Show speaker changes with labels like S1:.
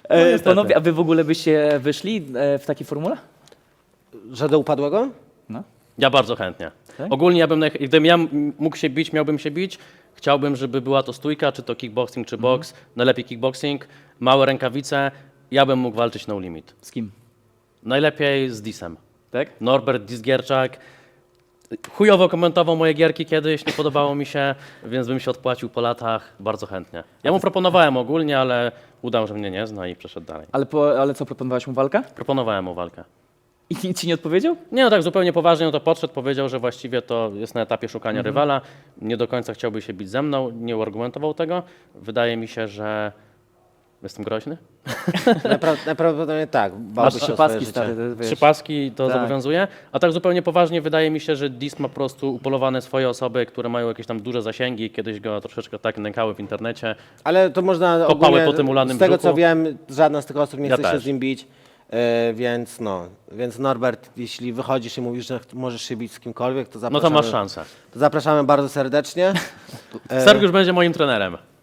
S1: niestety.
S2: Panowie, a wy w ogóle byście wyszli w takiej formule?
S3: Że do upadłego?
S2: No.
S1: Ja bardzo chętnie.
S2: Tak?
S1: Ogólnie ja bym, gdybym ja mógł się bić, miałbym się bić, chciałbym, żeby była to stójka, czy to kickboxing, czy boks, najlepiej kickboxing, małe rękawice, ja bym mógł walczyć no limit.
S2: Z kim?
S1: Najlepiej z Disem.
S2: Tak?
S1: Norbert Disgierczak. Chujowo komentował moje gierki kiedyś, nie podobało mi się, więc bym się odpłacił po latach bardzo chętnie. Ja mu proponowałem ogólnie, ale udał, że mnie nie zna i przeszedł dalej.
S2: Ale co, proponowałeś mu walkę?
S1: Proponowałem mu walkę.
S2: I nic ci nie odpowiedział?
S1: Nie, no tak zupełnie poważnie, no to podszedł, powiedział, że właściwie to jest na etapie szukania rywala, nie do końca chciałby się bić ze mną, nie uargumentował tego. Wydaje mi się, że jestem groźny.
S3: Najprawdopodobniej tak.
S2: Masz
S3: Bałby się o
S2: trzy
S3: swoje
S2: paski,
S3: życie.
S2: stary. Wiesz.
S1: 3 paski to
S2: Tak.
S1: zobowiązuje, a tak zupełnie poważnie wydaje mi się, że Dis ma po prostu upolowane swoje osoby, które mają jakieś tam duże zasięgi, kiedyś go troszeczkę tak nękały w internecie.
S3: Ale to można
S1: Kopały
S3: ogólnie,
S1: po tym ulanym
S3: z tego
S1: brzuchu.
S3: co wiem, żadna z tych osób nie
S1: Ja
S3: chce się
S1: też.
S3: z nim bić, więc Norbert, jeśli wychodzisz i mówisz, że możesz się bić z kimkolwiek, to
S1: No
S3: zapraszamy,
S1: to masz szansę.
S3: to zapraszamy bardzo serdecznie.
S1: Sergiusz będzie moim trenerem.